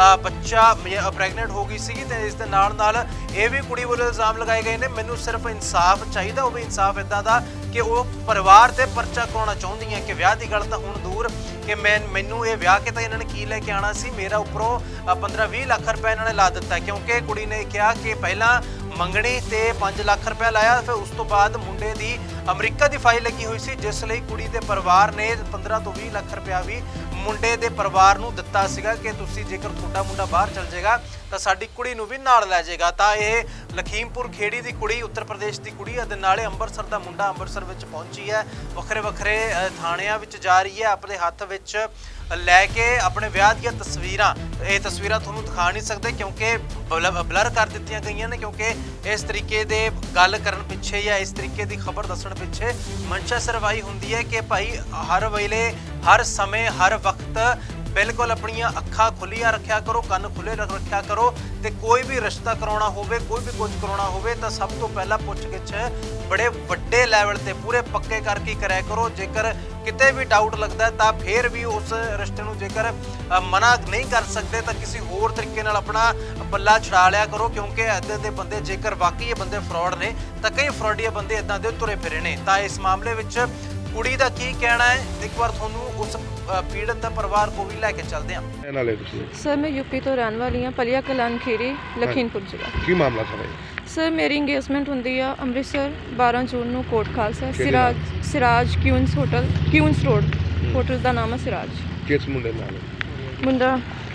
Speaker 1: ਬੱਚਾ ਪ੍ਰੈਗਨੈਂਟ ਹੋ ਗਈ ਸੀਗੀ। ਤੇ ਇਸ ਦੇ ਨਾਲ ਨਾਲ ਇਹ ਵੀ ਕੁੜੀ ਵੱਲੋਂ ਇਲਜ਼ਾਮ ਲਗਾਏ ਗਏ ਨੇ ਮੈਨੂੰ ਸਿਰਫ ਇਨਸਾਫ ਚਾਹੀਦਾ। ਉਹ ਵੀ ਇਨਸਾਫ ਇੱਦਾਂ ਦਾ ਕਿ ਉਹ ਪਰਿਵਾਰ ਤੇ ਪਰਚਾ ਕਰਾਉਣਾ ਚਾਹੁੰਦੀ ਹੈ ਕਿ ਵਿਆਹ ਦੀ ਗੱਲ ਤਾਂ ਹੁਣ ਦੂਰ ਕਿ ਮੈਨੂੰ ਇਹ ਵਿਆਹ ਕੇ ਤਾਂ ਇਹਨਾਂ ਨੇ ਕੀ ਲੈ ਕੇ ਆਉਣਾ ਸੀ, ਮੇਰਾ ਉੱਪਰੋਂ 15-20 ਲੱਖ ਰੁਪਏ ਇਹਨਾਂ ਨੇ ਲਾ ਦਿੱਤਾ। ਕਿਉਂਕਿ ਕੁੜੀ ਨੇ ਕਿਹਾ ਕਿ ਪਹਿਲਾਂ ਮੰਗਣੀ ਤੇ 5 ਲੱਖ ਰੁਪਏ ਲਾਇਆ, ਫਿਰ ਉਸ ਤੋਂ ਬਾਅਦ ਮੁੰਡੇ ਦੀ ਅਮਰੀਕਾ ਦੀ ਫਾਈਲ ਲੱਗੀ ਹੋਈ ਸੀ, ਜਿਸ ਲਈ ਕੁੜੀ ਦੇ ਪਰਿਵਾਰ ਨੇ 15 ਤੋਂ 20 ਲੱਖ ਰੁਪਇਆ ਵੀ ਮੁੰਡੇ ਦੇ ਪਰਿਵਾਰ ਨੂੰ ਦਿੱਤਾ ਸੀਗਾ ਕਿ ਤੁਸੀਂ ਜੇਕਰ ਤੁਹਾਡਾ ਮੁੰਡਾ ਬਾਹਰ ਚਲ ਜਾਏਗਾ ਤਾਂ ਸਾਡੀ ਕੁੜੀ ਨੂੰ ਵੀ ਨਾਲ ਲੈ ਜਾਏਗਾ। ਤਾਂ ਇਹ ਲਖੀਮਪੁਰ ਖੇੜੀ ਦੀ ਕੁੜੀ, ਉੱਤਰ ਪ੍ਰਦੇਸ਼ ਦੀ ਕੁੜੀ ਅਤੇ ਨਾਲੇ ਅੰਮ੍ਰਿਤਸਰ ਦਾ ਮੁੰਡਾ ਅੰਮ੍ਰਿਤਸਰ ਵਿੱਚ ਪਹੁੰਚੀ ਹੈ। ਵੱਖਰੇ ਥਾਣਿਆਂ ਵਿੱਚ ਜਾ ਰਹੀ ਹੈ, ਆਪਣੇ ਹੱਥ ਵਿੱਚ ਲੈ ਕੇ ਆਪਣੇ ਵਿਆਹ ਦੀਆਂ ਤਸਵੀਰਾਂ। ਇਹ ਤਸਵੀਰਾਂ ਤੁਹਾਨੂੰ ਦਿਖਾ ਨਹੀਂ ਸਕਦੇ ਕਿਉਂਕਿ ਬਲਰ ਕਰ ਦਿੱਤੀਆਂ ਗਈਆਂ ਨੇ, ਕਿਉਂਕਿ ਇਸ ਤਰੀਕੇ ਦੇ ਗੱਲ ਕਰਨ ਪਿੱਛੇ ਜਾਂ ਇਸ ਤਰੀਕੇ ਦੀ ਖਬਰ ਦੱਸਣ ਪਿੱਛੇ ਮਨਸ਼ਾ ਸਰਵਾਈ ਹੁੰਦੀ ਹੈ ਕਿ ਭਾਈ ਹਰ ਵੇਲੇ, ਹਰ ਸਮੇਂ, ਹਰ ਵਕਤ ਬਿਲਕੁਲ ਆਪਣੀਆਂ ਅੱਖਾਂ ਖੁੱਲੀਆਂ ਰੱਖਿਆ ਕਰੋ, ਕੰਨ ਖੁੱਲੇ ਰੱਖਿਆ ਕਰੋ। ਤੇ ਕੋਈ ਵੀ ਰਿਸ਼ਤਾ ਕਰਾਉਣਾ ਹੋਵੇ, ਕੋਈ ਵੀ ਕੁਝ ਕਰਾਉਣਾ ਹੋਵੇ ਤਾਂ ਸਭ ਤੋਂ ਪਹਿਲਾਂ ਪੁੱਛ-ਗਿੱਛ ਬੜੇ ਵੱਡੇ ਲੈਵਲ ਤੇ ਪੂਰੇ ਪੱਕੇ ਕਰਕੇ ਕਰਿਆ ਕਰੋ। ਜੇਕਰ ਕਿਤੇ ਵੀ ਡਾਊਟ ਲੱਗਦਾ ਤਾਂ ਫਿਰ ਵੀ ਉਸ ਰਿਸ਼ਤੇ ਨੂੰ ਜੇਕਰ ਮਨਾ ਨਹੀਂ ਕਰ ਸਕਦੇ ਤਾਂ ਕਿਸੇ ਹੋਰ ਤਰੀਕੇ ਨਾਲ ਆਪਣਾ ਪੱਲਾ ਛਡਾ ਲਿਆ ਕਰੋ, ਕਿਉਂਕਿ ਇੱਦਾਂ ਦੇ ਬੰਦੇ, ਜੇਕਰ ਵਾਕਈ ਇਹ ਬੰਦੇ ਫਰਾਡ ਨੇ ਤਾਂ ਕਈ ਫਰਾਡੀਆ ਬੰਦੇ ਇੱਦਾਂ ਦੇ ਤੁਰੇ ਫਿਰੇ ਨੇ। ਤਾਂ ਇਸ ਮਾਮਲੇ ਵਿੱਚ ਕੁੜੀ ਦਾ ਕੀ ਕਹਿਣਾ ਹੈ, ਇੱਕ ਵਾਰ ਤੁਹਾਨੂੰ ਉਸ ਪੀੜਤ ਦਾ ਪਰਿਵਾਰ ਕੋ ਵੀ ਲੈ ਕੇ ਚੱਲਦੇ ਹਾਂ।
Speaker 3: ਇਹ ਨਾਲੇ ਤੁਸੀਂ?
Speaker 2: ਸਰ ਮੈਂ ਯੂਪੀ ਤੋਂ ਰਹਿਣ ਵਾਲੀ ਹਾਂ, ਪਲੀਆ ਕਲਾਨ ਖੀਰੀ, ਲਖੀਮਪੁਰ ਜ਼ਿਲ੍ਹਾ।
Speaker 3: ਕੀ ਮਾਮਲਾ ਸਾਰਾ?
Speaker 2: ਸਰ ਮੇਰੀ ਇੰਗੇਜਮੈਂਟ ਹੁੰਦੀ ਆ ਅੰਮ੍ਰਿਤਸਰ 12 ਜੂਨ ਨੂੰ Kot Khalsa, Siraj Queens hotel, Queens road hotel ਦਾ ਨਾਮ ਹੈ ਸਿਰਾਜ।
Speaker 3: ਕਿਸ ਮੁੰਡੇ ਨਾਲ?
Speaker 2: ਮੁੰਡਾ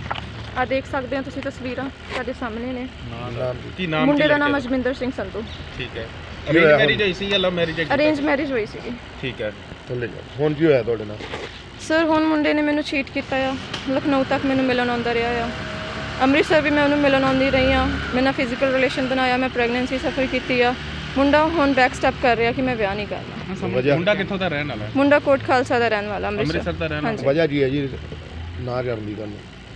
Speaker 2: ਆ ਦੇਖ ਸਕਦੇ ਹੋ ਤੁਸੀਂ, ਤਸਵੀਰਾਂ ਤੁਹਾਡੇ ਸਾਹਮਣੇ ਨੇ।
Speaker 3: ਨਾਮ
Speaker 6: ਕੀ ਨਾਮ?
Speaker 2: ਮੁੰਡੇ ਦਾ ਨਾਮ ਅਜਵਿੰਦਰ ਸਿੰਘ ਸੰਧੂ।
Speaker 6: ਠੀਕ ਹੈ। ਅਰੇਂਜ ਮੈਰਿਜ ਹੋਈ ਸੀ ਜਾਂ ਲਵ ਮੈਰਿਜ ਹੈ?
Speaker 2: ਅਰੇਂਜ ਮੈਰਿਜ ਹੋਈ ਸੀਗੀ।
Speaker 6: ਠੀਕ ਹੈ।
Speaker 3: ਥੱਲੇ ਜਾ ਹੁਣ ਕੀ ਹੋਇਆ ਤੁਹਾਡੇ ਨਾਲ?
Speaker 2: ਸਰ ਹੁਣ ਮੁੰਡੇ ਨੇ ਮੈਨੂੰ ਚੀਟ ਕੀਤਾ ਆ। ਲਖਨਊ ਤੱਕ ਮੈਨੂੰ ਮਿਲਣ ਆਉਂਦਾ ਰਿਹਾ ਆ। ਅੰਮ੍ਰਿਤਸਰ ਵੀ ਮੈਂ ਉਹਨੂੰ ਮਿਲਣ ਆਉਂਦੀ ਰਹੀ ਆ। ਮੈਂ ਨਾਲ ਫਿਜ਼ੀਕਲ ਰਿਲੇਸ਼ਨ ਬਣਾਇਆ, ਮੈਂ ਪ੍ਰੈਗਨੈਂਸੀ ਸਫਰ ਕੀਤੀ ਆ। ਮੁੰਡਾ ਹੁਣ ਬੈਕ ਸਟੈਪ ਕਰ ਰਿਹਾ ਕਿ ਮੈਂ ਵਿਆਹ ਨਹੀਂ ਕਰਨਾ।
Speaker 6: ਮੁੰਡਾ ਕਿੱਥੋਂ ਦਾ ਰਹਿਣ ਵਾਲਾ ਹੈ?
Speaker 2: ਮੁੰਡਾ ਕੋਟ ਖਾਲਸਾ ਦਾ ਰਹਿਣ ਵਾਲਾ,
Speaker 6: ਅੰਮ੍ਰਿਤਸਰ ਦਾ ਰਹਿਣ ਵਾਲਾ।
Speaker 2: ਹਾਂਜੀ
Speaker 3: ਵਜ੍ਹਾ ਕੀ ਹੈ ਜੀ ਨਾ ਕਰਨ ਦੀ ਗੱਲ?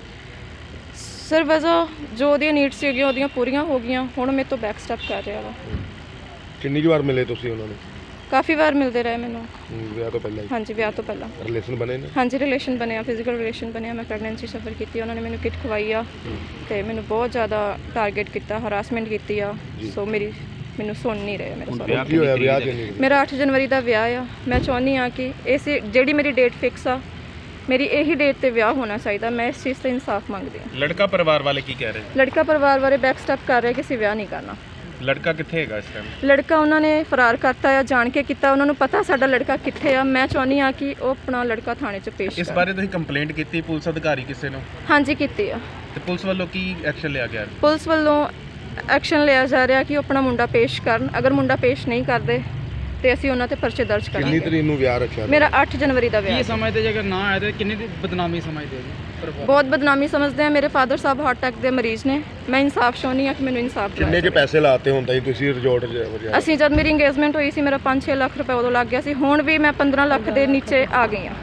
Speaker 2: ਸਰ ਵਜ੍ਹਾ ਜੋ ਉਹਦੀਆਂ ਨੀਡਸ ਸੀਗੀਆਂ ਉਹਦੀਆਂ ਪੂਰੀਆਂ ਹੋ ਗਈਆਂ, ਹੁਣ ਮੇਰੇ ਤੋਂ ਬੈਕ ਸਟੈਪ ਕਰ ਰਿਹਾ ਵਾ।
Speaker 3: ਕਿੰਨੀ ਕੁ ਵਾਰ ਮਿਲੇ ਤੁਸੀਂ ਉਹਨਾਂ ਨੂੰ?
Speaker 2: ਕਾਫੀ ਵਾਰ ਮਿਲਦੇ ਰਹੇ ਮੈਨੂੰ।
Speaker 3: ਵਿਆਹ ਤੋਂ ਪਹਿਲਾਂ ਹੀ
Speaker 2: ਹਾਂਜੀ ਵਿਆਹ ਤੋਂ ਪਹਿਲਾਂ
Speaker 3: ਰਿਲੇਸ਼ਨ ਬਣੇ ਨੇ?
Speaker 2: ਹਾਂਜੀ ਰਿਲੇਸ਼ਨ ਬਣਿਆ, ਫਿਜ਼ੀਕਲ ਰਿਲੇਸ਼ਨ ਬਣਿਆ। ਮੈਂ ਪ੍ਰੈਗਨੈਂਸੀ ਸਫਰ ਕੀਤੀ, ਉਹਨਾਂ ਨੇ ਮੈਨੂੰ ਕਿਟ ਖਵਾਈ ਆ ਤੇ ਮੈਨੂੰ ਬਹੁਤ ਜ਼ਿਆਦਾ ਟਾਰਗੇਟ ਕੀਤਾ, ਹਰਾਸਮੈਂਟ ਕੀਤੀ ਆ। ਸੋ ਮੈਨੂੰ ਸੁਣ ਨਹੀਂ ਰਹੇ ਮੇਰੇ ਸਾਰੇ।
Speaker 3: ਕੀ ਹੋਇਆ ਵਿਆਹ ਕਿੰਨੀ?
Speaker 2: ਮੇਰਾ 8 ਜਨਵਰੀ ਦਾ ਵਿਆਹ ਆ। ਮੈਂ ਚਾਹੁੰਦੀ ਆ ਕਿ ਇਸ ਜਿਹੜੀ ਮੇਰੀ ਡੇਟ ਫਿਕਸ ਆ, ਮੇਰੀ ਇਹੀ ਡੇਟ ਤੇ ਵਿਆਹ ਹੋਣਾ ਚਾਹੀਦਾ। ਮੈਂ ਇਸ ਚੀਜ਼ ਤੇ ਇਨਸਾਫ ਮੰਗਦੀ ਹਾਂ।
Speaker 6: ਲੜਕਾ ਪਰਿਵਾਰ ਵਾਲੇ ਕੀ ਕਹਿ ਰਹੇ?
Speaker 2: ਲੜਕਾ ਪਰਿਵਾਰ ਬਾਰੇ ਬੈਕ ਸਟੈਪ ਕਰ ਰਿਹਾ ਕਿ ਅਸੀਂ ਵਿਆਹ ਨਹੀਂ ਕਰਨਾ।
Speaker 6: ਲੜਕਾ ਕਿੱਥੇ ਹੈਗਾ ਇਸ ਟਾਈਮ?
Speaker 2: ਲੜਕਾ ਉਹਨਾਂ ਨੇ ਫਰਾਰ ਕਰਤਾ ਆ, ਜਾਣ ਕੇ ਕੀਤਾ। ਉਹਨਾਂ ਨੂੰ ਪਤਾ ਸਾਡਾ ਲੜਕਾ ਕਿੱਥੇ ਆ। ਮੈਂ ਚਾਹੁੰਦੀ ਆ ਕਿ ਉਹ ਆਪਣਾ ਲੜਕਾ ਥਾਣੇ 'ਚ ਪੇਸ਼
Speaker 6: ਇਸ
Speaker 2: ਕਰੇ।
Speaker 6: ਬਾਰੇ ਤੁਸੀਂ ਕੰਪਲੇਂਟ ਕੀਤੀ ਪੁਲਿਸ ਅਧਿਕਾਰੀ ਕਿਸੇ ਨੂੰ?
Speaker 2: ਹਾਂਜੀ ਕੀਤੀ ਆ।
Speaker 6: ਤੇ ਪੁਲਿਸ ਵੱਲੋਂ ਕੀ ਐਕਸ਼ਨ ਲਿਆ ਗਿਆ?
Speaker 2: ਪੁਲਿਸ ਵੱਲੋਂ ਐਕਸ਼ਨ ਲਿਆ ਜਾ ਰਿਹਾ ਕਿ ਉਹ ਆਪਣਾ ਮੁੰਡਾ ਪੇਸ਼ ਕਰਨ। ਅਗਰ ਮੁੰਡਾ ਪੇਸ਼ ਨਹੀਂ ਕਰਦੇ ਤੇ ਅਸੀਂ ਉਹਨਾਂ ਤੇ ਪਰਚੇ ਦਰਜ
Speaker 3: ਕਿੰਨੀ
Speaker 2: ਕਰਾਂਗੇ।
Speaker 3: ਤਰੀਕ ਨੂੰ ਵਿਆਹ ਰੱਖਿਆ?
Speaker 2: ਮੇਰਾ 8 ਜਨਵਰੀ ਦਾ ਵਿਆਹ
Speaker 4: ਕੀ
Speaker 2: ਹੈ।
Speaker 4: ਸਮਝਦੇ ਜੇ ਅਗਰ ਨਾ ਆਏ ਤਾਂ ਕਿੰਨੀ ਦੀ ਬਦਨਾਮੀ ਸਮਝਦੇ ਹੋ ਜੀ ਪਰਿਵਾਰ?
Speaker 2: ਬਹੁਤ ਬਦਨਾਮੀ ਸਮਝਦੇ ਆ। ਮੇਰੇ ਫਾਦਰ ਸਾਹਿਬ ਹਾਰਟ ਅਟੈਕ ਦੇ ਮਰੀਜ਼ ਨੇ। ਮੈਂ ਇਨਸਾਫ ਚਾਹੁੰਦੀ ਆ ਕਿ ਮੈਨੂੰ ਇਨਸਾਫ
Speaker 3: ਕਿੰਨੇ
Speaker 2: ਦਿਵਾਇਆ
Speaker 3: ਕੇ ਪੈਸੇ ਲਾਤੇ ਹੁੰਦਾ ਜੀ ਤੁਸੀਂ ਰਿਜ਼ੋਰਟ 'ਚ ਵਜਾ?
Speaker 2: ਜਾਵੇ। ਅਸੀਂ ਜਦ ਮੇਰੀ ਇੰਗੇਜਮੈਂਟ ਹੋਈ ਸੀ ਮੇਰਾ 5-6 ਲੱਖ ਰੁਪਏ ਉਦੋਂ ਲੱਗ ਗਿਆ ਸੀ। ਹੁਣ ਵੀ ਮੈਂ 15 ਲੱਖ ਦੇ ਨੀਚੇ ਆ ਗਈ ਆ।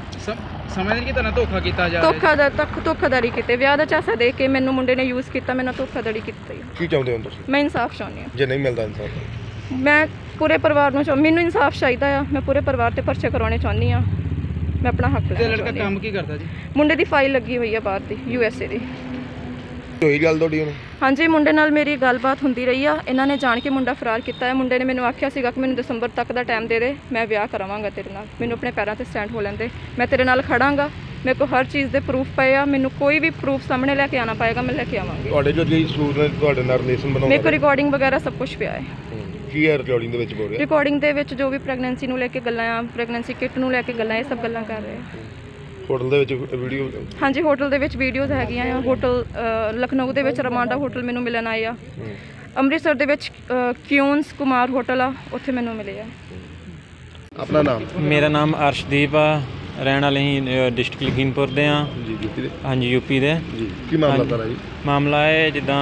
Speaker 4: ਸਮਝਦੇ ਕਿ ਤੁਹਾਨੂੰ ਧੋਖਾ ਕੀਤਾ ਜਾ ਰਿਹਾ?
Speaker 2: ਧੋਖਾਧੜੀ ਕੀਤੇ। ਵਿਆਹ ਦਾ ਚਾਸਾ ਦੇ ਕੇ ਮੈਨੂੰ ਮੁੰਡੇ ਨੇ ਯੂਜ਼ ਕੀਤਾ, ਮੇਰੇ ਨਾਲ ਧੋਖਾਧੜੀ ਕੀਤੀ।
Speaker 3: ਕੀ ਚਾਹੁੰਦੇ ਹੋ ਤੁਸੀਂ?
Speaker 2: ਮੈਂ ਇਨਸਾਫ ਚਾਹੁੰਦੀ ਆ।
Speaker 3: ਜੇ ਨਹੀਂ ਮਿਲਦਾ ਇਨਸਾਫ?
Speaker 2: ਮੈਂ ਪੂਰੇ ਪਰਿਵਾਰ ਨੂੰ ਮੈਨੂੰ ਇਨਸਾਫ ਚਾਹੀਦਾ ਆ। ਮੈਂ ਪੂਰੇ ਪਰਿਵਾਰ ਤੇ ਪਰਚੇ ਕਰਾਉਣੇ ਚਾਹੁੰਦੀ ਆ। ਮੈਂ ਆਪਣਾ ਹੱਕ
Speaker 4: ਤੇ
Speaker 2: ਲੈਣਾ
Speaker 4: ਲੜਕਾ
Speaker 2: ਚਾਹੁੰਦੀ ਹਾਂ।
Speaker 4: ਕੰਮ ਕੀ ਕਰਦਾ ਜੀ?
Speaker 2: ਮੁੰਡੇ ਦੀ ਫਾਈਲ ਲੱਗੀ ਹੋਈ ਆ ਬਾਹਰ ਦੀ, USA ਦੀ।
Speaker 3: ਹੋਈ ਗੱਲ ਤੁਹਾਡੀ ਹੁਣ?
Speaker 2: ਹਾਂਜੀ ਮੁੰਡੇ ਨਾਲ ਮੇਰੀ ਗੱਲਬਾਤ ਹੁੰਦੀ ਰਹੀ ਆ। ਇਹਨਾਂ ਨੇ ਜਾਣ ਕੇ ਮੁੰਡਾ ਫਰਾਰ ਕੀਤਾ ਹੈ। ਮੁੰਡੇ ਨੇ ਮੈਨੂੰ ਆਖਿਆ ਸੀਗਾ ਕਿ ਮੈਨੂੰ ਦਸੰਬਰ ਤੱਕ ਦਾ ਟਾਈਮ ਦੇ ਦੇ, ਮੈਂ ਵਿਆਹ ਕਰਾਵਾਂਗਾ ਤੇਰੇ ਨਾਲ। ਮੈਨੂੰ ਆਪਣੇ ਪੈਰਾਂ ਤੇ ਸਟੈਂਡ ਹੋ ਲੈਂਦੇ, ਮੈਂ ਤੇਰੇ ਨਾਲ ਖੜਾਂਗਾ। ਮੇਰੇ ਕੋਲ ਹਰ ਚੀਜ਼ ਦੇ ਪ੍ਰੂਫ ਪਏ ਆ। ਮੈਨੂੰ ਕੋਈ ਵੀ ਪ੍ਰੂਫ ਸਾਹਮਣੇ ਲੈ ਕੇ ਆਣਾ ਪਏਗਾ, ਮੈਂ ਲੈ ਕੇ ਆਵਾਂਗੀ।
Speaker 3: ਤੁਹਾਡੇ ਜੋ ਜੀ ਸੂਟ ਨੇ ਤੁਹਾਡੇ ਨਾਲ ਰਿਲੇਸ਼ਨ
Speaker 2: ਮੇਰੇ
Speaker 3: ਬਣਾਉਂਦੇ
Speaker 2: ਕੋਲ ਰਿਕਾਰਡਿੰਗ ਵਗੈਰਾ ਸਭ ਕੁਝ ਪਿਆ ਹੈ।
Speaker 3: ਕੀ ਹੈ ਰਿਕਾਰਡਿੰਗ ਦੇ ਵਿੱਚ ਬੋਲ ਰਿਹਾ?
Speaker 2: ਰਿਕਾਰਡਿੰਗ ਦੇ ਵਿੱਚ ਜੋ ਵੀ ਪ੍ਰੈਗਨੈਂਸੀ ਨੂੰ ਲੈ ਕੇ ਗੱਲਾਂ ਆ, ਪ੍ਰੈਗਨੈਂਸੀ ਕਿਟ ਨੂੰ ਲੈ ਕੇ ਗੱਲਾਂ, ਇਹ ਸਭ ਗੱਲਾਂ ਕਰ ਰਹੇ ਆ।
Speaker 3: ਹੋਟਲ ਦੇ ਵਿੱਚ ਵੀਡੀਓ?
Speaker 2: ਹਾਂਜੀ ਹੋਟਲ ਦੇ ਵਿੱਚ ਵੀਡੀਓਜ਼ ਹੈਗੀਆਂ ਆ। ਹੋਟਲ ਲਖਨਊ ਦੇ ਵਿੱਚ ਰਮਾਂਡਾ ਹੋਟਲ ਮੈਨੂੰ ਮਿਲਣ ਆਏ ਆ। ਅੰਮ੍ਰਿਤਸਰ ਦੇ ਵਿੱਚ ਕਿਉਂਸ ਕੁਮਾਰ ਹੋਟਲ ਆ, ਉੱਥੇ ਮੈਨੂੰ ਮਿਲੇ ਆ।
Speaker 3: ਆਪਣਾ ਨਾਮ?
Speaker 5: ਮੇਰਾ ਨਾਮ ਅਰਸ਼ਦੀਪ ਆ, ਰਹਿਣ ਵਾਲੇ ਹੀ ਡਿਸਟ੍ਰਿਕਟ ਲਖੀਮਪੁਰ ਦੇ ਆ।
Speaker 3: ਜੀ ਯੂਪੀ ਦੇ?
Speaker 5: ਹਾਂਜੀ ਯੂਪੀ ਦੇ।
Speaker 3: ਜੀ ਕੀ ਮਾਮਲਾ ਤੁਹਾਡਾ ਜੀ?
Speaker 5: ਮਾਮਲਾ ਹੈ ਜਿੱਦਾਂ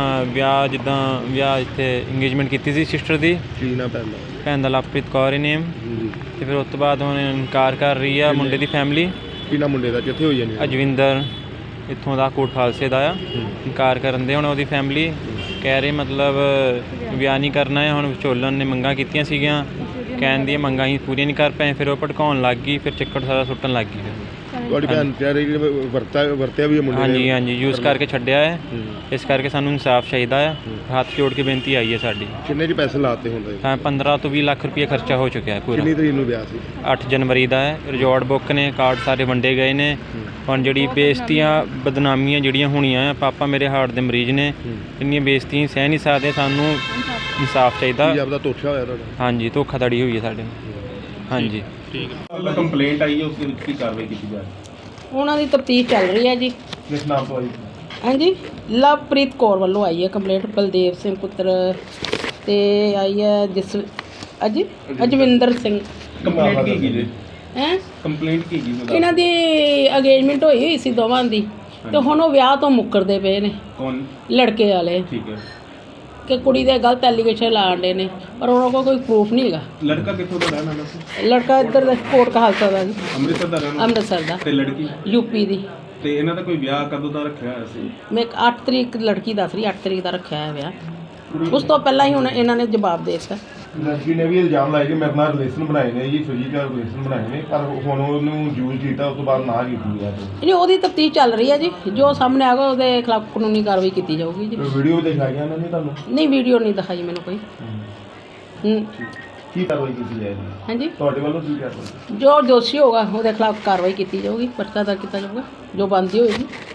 Speaker 5: ਵਿਆਹ ਇੱਥੇ ਇੰਗੇਜਮੈਂਟ ਕੀਤੀ ਸੀ ਸਿਸਟਰ ਦੀ।
Speaker 3: ਕੀ ਨਾ ਪੈਂਦਾ?
Speaker 5: ਭੈਣ ਦਾ ਲਵਪ੍ਰੀਤ ਕੌਰ ਹੀ ਨੇਮ।
Speaker 3: ਜੀ
Speaker 5: ਤੇ ਫਿਰ ਉਸ ਤੋਂ ਬਾਅਦ ਹੁਣ ਇਨਕਾਰ ਕਰ ਰਹੀ ਆ ਮੁੰਡੇ ਦੀ ਫੈਮਿਲੀ।
Speaker 3: ਕੀ ਨਾ ਮੁੰਡੇ ਦਾ ਕਿੱਥੇ ਹੋਈ ਜਾਨੀ?
Speaker 5: ਅਜਵਿੰਦਰ ਇੱਥੋਂ ਦਾ ਕੋਟ ਖਾਲਸੇ ਦਾ ਆ। ਇਨਕਾਰ ਕਰਨ ਦੇ ਹੁਣ ਉਹਦੀ ਫੈਮਿਲੀ ਕਹਿ ਰਹੀ ਮਤਲਬ ਵਿਆਹ ਨਹੀਂ ਕਰਨਾ ਹੈ। ਹੁਣ ਵਿਚੋਲਨ ਨੇ ਮੰਗਾਂ ਕੀਤੀਆਂ ਸੀਗੀਆਂ, ਕਹਿਣ ਦੀਆਂ ਮੰਗਾਂ ਹੀ ਪੂਰੀਆਂ ਨਹੀਂ ਕਰ ਪਏ। ਫਿਰ ਉਹ ਭੜਕਾਉਣ ਲੱਗ ਗਈ, ਫਿਰ ਚੱਕਰ ਸਾਰਾ ਸੁੱਟਣ ਲੱਗ ਗਈ।
Speaker 3: ਤੁਹਾਡੀ ਭੈਣ ਕਹਿ ਰਹੀ ਵਰਤਿਆ ਵੀ ਹੈ ਮੁੰਡੇ ਨੇ?
Speaker 5: ਹਾਂਜੀ ਯੂਜ਼ ਕਰਕੇ ਛੱਡਿਆ ਹੈ। ਇਸ ਕਰਕੇ ਸਾਨੂੰ ਇਨਸਾਫ ਚਾਹੀਦਾ ਆ। ਹੱਥ ਜੋੜ ਕੇ ਬੇਨਤੀ ਆਈ ਹੈ ਸਾਡੀ।
Speaker 3: ਕਿੰਨੇ ਜੀ ਪੈਸੇ ਲਾਤੇ ਹੁੰਦੇ?
Speaker 5: ਤਾਂ 15 ਤੋਂ 20 ਲੱਖ ਰੁਪਏ ਖਰਚਾ ਹੋ ਚੁੱਕਿਆ ਹੈ ਪੂਰਾ।
Speaker 3: ਕਿੰਨੀ ਤਰੀਕ ਨੂੰ ਵਿਆਹ ਸੀ?
Speaker 5: 8 ਜਨਵਰੀ ਦਾ ਹੈ। ਰਿਜ਼ੋਰਟ ਬੁੱਕ ਨੇ, ਕਾਰਡ ਸਾਰੇ ਵੰਡੇ ਗਏ ਨੇ। ਹੁਣ ਜਿਹੜੀ ਬੇਇੱਜ਼ਤੀਆਂ ਬਦਨਾਮੀਆਂ ਜਿਹੜੀਆਂ ਹੋਣੀਆਂ ਆ, ਪਾਪਾ ਮੇਰੇ ਹਾਰਟ ਦੇ ਮਰੀਜ਼ ਨੇ, ਇੰਨੀਆਂ ਬੇਇੱਜ਼ਤੀਆਂ ਸਹਿ ਨਹੀਂ ਸਕਦੇ। ਸਾਨੂੰ ਇਨਸਾਫ ਚਾਹੀਦਾ।
Speaker 3: ਪੰਜਾਬ ਦਾ ਧੋਖਾ ਹੋਇਆ ਤੁਹਾਡਾ?
Speaker 5: ਹਾਂਜੀ ਧੋਖਾਧੜੀ ਹੋਈ ਹੈ ਸਾਡੇ ਨਾਲ। ਹਾਂਜੀ
Speaker 6: ਠੀਕ ਹੈ। ਕੰਪਲੇਂਟ ਆਈ ਹੈ, ਉਸ ਦੇ ਵਿੱਚ ਕੀ ਕਾਰਵਾਈ ਕੀਤੀ ਜਾ ਰਹੀ ਹੈ?
Speaker 7: ਉਹਨਾਂ ਦੀ ਤਫਤੀਸ਼ ਚੱਲ ਰਹੀ ਹੈ ਜੀ।
Speaker 3: ਕਿਸ ਨਾਮ ਤੋਂ ਆਈ?
Speaker 7: ਹਾਂਜੀ ਲਵਪ੍ਰੀਤ ਕੌਰ ਵੱਲੋਂ ਆਈ ਹੈ ਕੰਪਲੇਂਟ। ਬਲਦੇਵ ਸਿੰਘ ਪੁੱਤਰ ਤੇ ਆਈ ਹੈ ਅਜਵਿੰਦਰ ਸਿੰਘ।
Speaker 6: ਕੰਪਲੇਂਟ ਕੀ ਜੀ?
Speaker 7: ਹੈ
Speaker 6: ਕੰਪਲੇਂਟ ਕੀ ਜੀ?
Speaker 7: ਇਹਨਾਂ ਦੀ ਅਗੇਜਮੈਂਟ ਹੋਈ ਸੀ ਦੋਵਾਂ ਦੀ, ਤੇ ਹੁਣ ਉਹ ਵਿਆਹ ਤੋਂ ਮੁੱਕਰਦੇ ਪਏ ਨੇ
Speaker 6: ਕੌਣ?
Speaker 7: ਲੜਕੇ ਵਾਲੇ,
Speaker 6: ਠੀਕ ਹੈ।
Speaker 7: ਕਿ ਕੁੜੀ ਦੇ ਗਲਤ ਐਲੀਗੇਸ਼ਨ ਲਾਉਂਦੇ ਨੇ, ਪਰ ਉਹਨਾਂ ਕੋਲ ਕੋਈ ਪ੍ਰੂਫ ਨਹੀਂ ਹੈਗਾ।
Speaker 6: ਲੜਕਾ ਕਿੱਥੋਂ ਦਾ ਰਹਿਣ ਵਾਲਾ ਸੀ?
Speaker 7: ਲੜਕਾ ਇੱਧਰ ਦਾ ਕੋਟ ਕਹਾਲਸਾ ਦਾ ਜੀ,
Speaker 6: ਅੰਮ੍ਰਿਤਸਰ ਦਾ ਰਹਿਣ ਵਾਲਾ?
Speaker 7: ਅੰਮ੍ਰਿਤਸਰ ਦਾ।
Speaker 6: ਤੇ ਲੜਕੀ?
Speaker 7: ਯੂਪੀ ਦੀ।
Speaker 6: ਤੇ ਇਹਨਾਂ ਦਾ ਕੋਈ ਵਿਆਹ ਕਦੋਂ ਦਾ ਰੱਖਿਆ ਹੋਇਆ ਸੀ?
Speaker 7: ਮੈਂ 8 ਤਰੀਕ ਲੜਕੀ ਦੱਸ ਰਹੀ, 8 ਤਰੀਕ ਦਾ ਰੱਖਿਆ ਹੈ ਵਿਆਹ। ਉਸ ਤੋਂ ਪਹਿਲਾਂ ਹੀ ਹੁਣ ਇਹਨਾਂ ਨੇ ਜਵਾਬ ਦੇ ਦਿੱਤਾ।
Speaker 3: ਲੜਕੀ ਨੇ ਵੀ ਇਲਜ਼ਾਮ ਲਾਇਆ ਕਿ ਮੇਰੇ ਨਾਲ ਰਿਲੇਸ਼ਨ ਬਣਾਏ ਨੇ ਜੀ, ਫਿਜ਼ੀਕਲ ਰਿਲੇਸ਼ਨ ਬਣਾਏ ਨੇ, ਪਰ ਹੁਣ ਉਹਨੂੰ ਯੂਜ਼ ਕੀਤਾ, ਉਸ ਤੋਂ ਬਾਅਦ ਨਾ ਕੀਤੀ ਹੈ।
Speaker 7: ਨਹੀਂ ਉਹਦੀ ਤਫਤੀਸ਼ ਚੱਲ ਰਹੀ ਹੈ ਜੀ। ਜੋ ਸਾਹਮਣੇ ਆਗਾ ਉਹਦੇ ਖਿਲਾਫ ਕਾਨੂੰਨੀ ਕਾਰਵਾਈ ਕੀਤੀ ਜਾਊਗੀ ਜੀ।
Speaker 3: ਵੀਡੀਓ ਵੀ ਦਿਖਾਈਆਂ ਉਹਨਾਂ ਨੇ ਤੁਹਾਨੂੰ?
Speaker 7: ਨਹੀਂ ਵੀਡੀਓ ਨਹੀਂ ਦਿਖਾਈ ਮੈਨੂੰ ਕੋਈ।
Speaker 3: ਕੀ ਕਾਰਵਾਈ ਕੀਤੀ ਜਾਏਗੀ
Speaker 7: ਹਾਂਜੀ
Speaker 3: ਤੁਹਾਡੇ ਵੱਲੋਂ? ਕੀ ਕਾਰਵਾਈ?
Speaker 7: ਜੋ ਦੋਸ਼ੀ ਹੋਗਾ ਉਹਦੇ ਖਿਲਾਫ ਕਾਰਵਾਈ ਕੀਤੀ ਜਾਊਗੀ, ਪਰਚਾ ਦਰਜ ਕੀਤਾ ਜਾਊਗਾ, ਜੋ ਬਣਦੀ ਹੋਏਗੀ।